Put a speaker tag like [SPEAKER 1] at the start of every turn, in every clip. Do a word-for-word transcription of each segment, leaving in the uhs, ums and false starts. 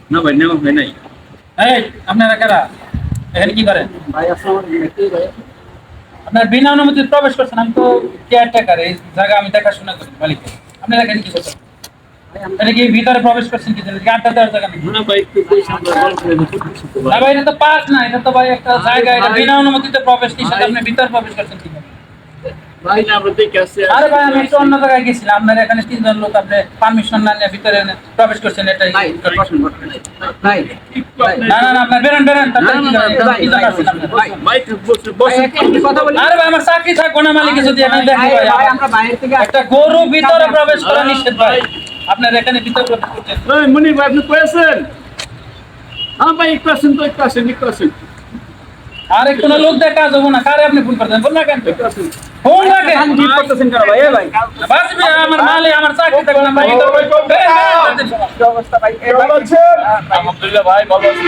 [SPEAKER 1] না ভাই নেওয়া হয় নাই।
[SPEAKER 2] এই আপনারা কারা এখানে কি করেন?
[SPEAKER 3] ভাই আসসালামু আলাইকুম ভাই।
[SPEAKER 2] আপনার বিনা অনুমতিতে প্রবেশ করছেন। আমি তো কেয়ারটেকার, এই জায়গা আমি দেখাশোনা করি মালিক। আপনারা এখানে কি করছেন? এটা কি ভিতরে প্রবেশ করছেন কি জন্য? আড্ডা দেওয়ার জায়গা নেই?
[SPEAKER 1] না ভাই একটু পয়সা আমরা গল্প করে করতেছি তো
[SPEAKER 2] না
[SPEAKER 1] ভাই।
[SPEAKER 2] ভাই, এটা তো পার্ক না, এটা তো ভাই একটা জায়গা। এটা বিনা অনুমতিতে প্রবেশ নিষেধ। আপনি ভিতরে প্রবেশ করছেন কি জন্য?
[SPEAKER 1] ভাই না আমরা দেখে আসছি।
[SPEAKER 2] আরে ভাই, আমি একটু অন্য জায়গায় গেছিলাম। আপনার এখানে তিনজন লোক আপনি পারমিশন না নিয়ে ভিতরে এনে প্রবেশ করছেন, এটা
[SPEAKER 3] ভাই বসেন বসেন ভাই।
[SPEAKER 1] একটু
[SPEAKER 3] ভাই,
[SPEAKER 1] আপনি-
[SPEAKER 2] না না না, আপনার বেরোন বেরোন। তারপরে কি করেন?
[SPEAKER 3] ভাই,
[SPEAKER 2] কি
[SPEAKER 3] ভাই,
[SPEAKER 2] জন্য আসছেন আপনারা?
[SPEAKER 3] ভাই,
[SPEAKER 1] ভাই একটু বসে
[SPEAKER 3] ভাই
[SPEAKER 1] বসে
[SPEAKER 3] একটা একটু কথা বলি।
[SPEAKER 2] আরে ভাই, আমার চাকরি থাকবো না মালিক যদি এখানে দেখি
[SPEAKER 3] ভাই,
[SPEAKER 2] ভাই।
[SPEAKER 3] ভাই, আমরা বাইরে থেকে
[SPEAKER 2] একটা গরু ভিতরে প্রবেশ করা নিষেধ ভাই। আপনার এখানে ভিতরে প্রবেশ করছেন।
[SPEAKER 1] এই মনি ভাই আপনি কয়েছেন? হ্যাঁ ভাই একটু আসেন তো, একটু আসেন, একটু আসেন,
[SPEAKER 2] আরে কোন লোক দেখা যাবো না, কারে আপনি ফোন করতেন? ফোন না কেন?
[SPEAKER 1] একটু আসেন।
[SPEAKER 2] ফোন রাখে
[SPEAKER 3] কান ডিপ করতেছেন কেন ভাই? এ ভাই
[SPEAKER 2] বাসবি আমার মালে, আমার চাকরি থাকবে না ভাই।
[SPEAKER 1] ভালো ভাই, ভালো।
[SPEAKER 3] কি অবস্থা ভাই? এ ভাই,
[SPEAKER 1] ভালো আছেন? আলহামদুলিল্লাহ ভাই ভালো আছি।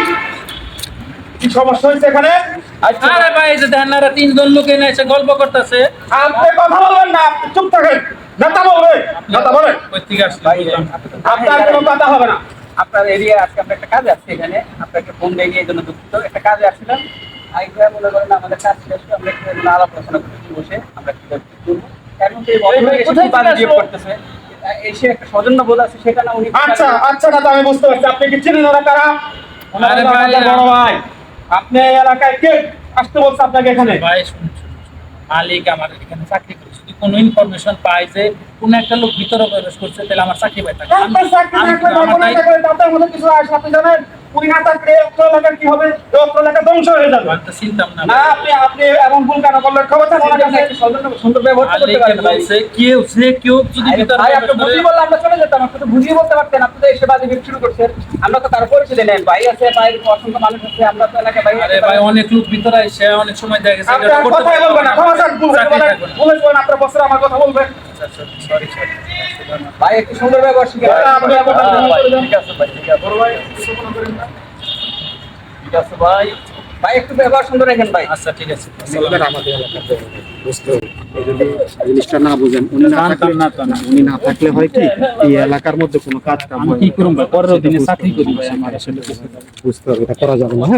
[SPEAKER 1] কি সমস্যা হয়েছে এখানে?
[SPEAKER 2] আরে ভাই, এই যে দেখেন না, এরা তিনজন লোক এনে এসে গল্প করতেছে।
[SPEAKER 1] আপনি কথা বলবেন না, আপনি চুপ থাকেন। নেতা বলবে, নেতা বলেন।
[SPEAKER 2] কই থেকে আসছে
[SPEAKER 3] ভাই,
[SPEAKER 2] বুঝলাম।
[SPEAKER 3] আপনি তো
[SPEAKER 1] আপনার
[SPEAKER 3] জানেন,
[SPEAKER 1] কোনো কথা হবে না।
[SPEAKER 3] আপনার এরিয়া আজকে আমরা একটা কাজে আসছি এখানে। আপনাকে ফোন দিয়ে এই জন্য দুঃখিত। একটা কাজে আসছিলাম। আইডিয়া মনে করেন আমাদের কাজ শেষ করে আমরা একটু এখানে আলাপ আলোচনা করছি বসে। আমরা কিভাবে কি করবো। এখন তো এই ভদ্রলোক এসে
[SPEAKER 2] কোথায়
[SPEAKER 3] খুব বাজে
[SPEAKER 2] থেকে
[SPEAKER 3] বিহেভ
[SPEAKER 2] আসলো?
[SPEAKER 3] করতেছে। এসে একটা সৌজন্য বোধ আছে সেটা না উনি
[SPEAKER 1] আচ্ছা আচ্ছা দাদা আমি বুঝতে পারছি, আপনি কি চিনেন ওরা কারা? ওনারা
[SPEAKER 2] আরে
[SPEAKER 1] হলো
[SPEAKER 2] ভাই,
[SPEAKER 1] আমাদের বড় ভাই। আপনি এই এলাকায় কে আসতে বলছে আপনাকে এখানে?
[SPEAKER 2] ভাই শুনুন শুনুন, শুনুন। মালিক আমার এখানে চাকরি করে, যদি কোনো ইনফরমেশন পাই যে কোন একটা লোক ভিতরে প্রবেশ করছে, তাহলে আমার চাকরি পাই থাকে।
[SPEAKER 1] আপনার চাকরি থাকলে বা কোনো একটা করে আপনার মধ্যে কিছু আসে, আপনি জানেন উনি না থাকলে অত্র এলাকার কি হবে? এই অত্র এলাকা ধ্বংস হয়ে যাবে।
[SPEAKER 2] আমি তো চিনতাম না
[SPEAKER 1] না আপনি আপনি এমন ভুল কেন করলেন? খবর আছে ওনার কাছে?
[SPEAKER 3] একটা সৌজন্য সুন্দর ব্যবহার করতে
[SPEAKER 2] মালিককে
[SPEAKER 3] পারেন ভাই।
[SPEAKER 2] বলছে কেউ সে কেউ যদি
[SPEAKER 3] আরে
[SPEAKER 2] ভিতরে
[SPEAKER 3] ভাই,
[SPEAKER 2] প্রবেশ
[SPEAKER 3] আপনি
[SPEAKER 2] করে-
[SPEAKER 3] বুঝিয়ে বললে আমরা চলে যেতাম। আপনি তো বুঝিয়ে বলতে পারতেন। আপনি তো এসে বাজে বিহেভ শুরু করছেন। আমরা তো তার পরিচয় নেন। ভাই আছে, ভাই অসংখ্য মানুষ আছে। আমরা তো এলাকায় ভাই
[SPEAKER 2] আরে ভাই, অনেক লোক ভিতরে আসে, অনেক সময় দেখা গেছে
[SPEAKER 1] আপনি
[SPEAKER 2] এটা
[SPEAKER 1] আর
[SPEAKER 2] করতে
[SPEAKER 1] কথাই বলবেন না। ক্ষমা চান, ভুল হয়েছে
[SPEAKER 2] চাকরি
[SPEAKER 1] বলেন।
[SPEAKER 2] থাকবে না।
[SPEAKER 1] ভুল হয়েছে বলেন, আপনার বছর আমার কথা বলবেন।
[SPEAKER 2] Sorry sorry.
[SPEAKER 3] ভাই একটু সুন্দর ব্যবহার শিখে
[SPEAKER 1] ভাই, আপনি এমন
[SPEAKER 3] হ্যাঁ,
[SPEAKER 1] ব্যবহার
[SPEAKER 3] ভাই,
[SPEAKER 1] করবেন।
[SPEAKER 3] ঠিক আছে ভাই, ঠিক আছে।
[SPEAKER 1] বড় ভাই, কিছু মনে করেন না।
[SPEAKER 3] ঠিক আছে ভাই। ভাই একটু ব্যবহার সুন্দর রাখেন ভাই।
[SPEAKER 2] আচ্ছা ঠিক আছে।
[SPEAKER 4] এবার আমাদের এলাকাতে বুঝতে হবে। এই যদি জিনিসটা না বুঝেন, উনি না থাকলে
[SPEAKER 2] না তো না।
[SPEAKER 4] উনি না থাকলে হয় কি এই এলাকার মধ্যে কোনো কাজ কাম
[SPEAKER 2] আমি
[SPEAKER 4] হয়
[SPEAKER 2] কি
[SPEAKER 4] না।
[SPEAKER 2] করুম ভাই, পরের দিনে
[SPEAKER 4] বুঝতে
[SPEAKER 2] চাকরি
[SPEAKER 4] হবে,
[SPEAKER 2] করি ভাই,
[SPEAKER 4] সেটা
[SPEAKER 2] আমার আসলে
[SPEAKER 4] বুঝতে হবে, এটা করা যাবে না। হ্যাঁ?